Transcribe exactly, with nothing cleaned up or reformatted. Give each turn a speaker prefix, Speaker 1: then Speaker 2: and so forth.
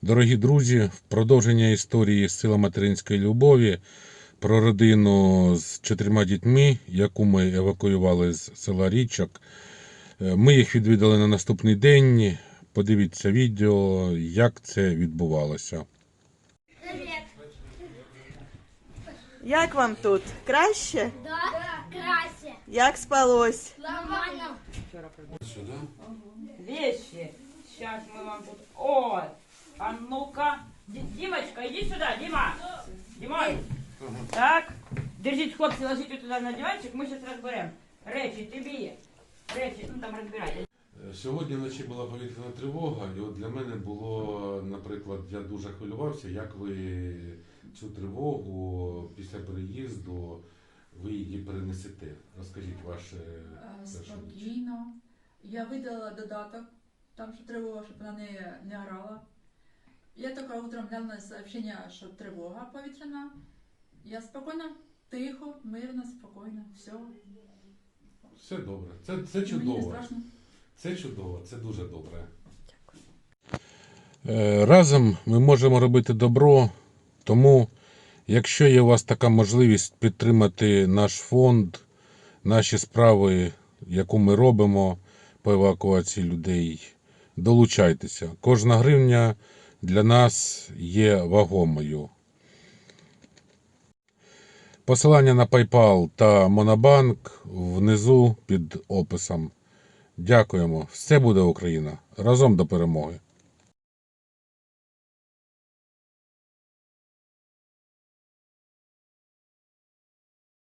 Speaker 1: Дорогі друзі, в продовження історії «Сила материнської любові» про родину з чотирма дітьми, яку ми евакуювали з села Річок. Ми їх відвідали на наступний день. Подивіться відео, як це відбувалося.
Speaker 2: Як вам тут? Краще?
Speaker 3: Да, краще.
Speaker 2: Як спалось?
Speaker 3: Нормально.
Speaker 4: Вещи. Сейчас мы вам тут... Ой, а ну-ка. Ди- Димочка, иди сюда, Дима. Димон. Так. Держите, хлопцы, ложите туда на диванчик, мы сейчас разберем. Речі, тобі. Речі, ну там розбирайте.
Speaker 1: Сьогодні вночі була повітряна тривога, і от для мене було, наприклад, я дуже хвилювався, як ви цю тривогу після переїзду, ви її перенесете. Розкажіть ваше перше.
Speaker 5: Спокійно. Я видала додаток, там що тривога, щоб вона не, не орала. Я тільки утром глянула сообщення, що тривога повітряна. Я спокійно, тихо, мирно, спокійно, все.
Speaker 1: Все добре. Це, це
Speaker 5: Мені не
Speaker 1: чудово.
Speaker 5: страшно.
Speaker 1: Це чудово, це дуже добре. Разом ми можемо робити добро, тому якщо є у вас така можливість підтримати наш фонд, наші справи, яку ми робимо по евакуації людей, долучайтеся. Кожна гривня для нас є вагомою. Посилання на PayPal та Monobank внизу під описом. Дякуємо. Все буде Україна. Разом до перемоги.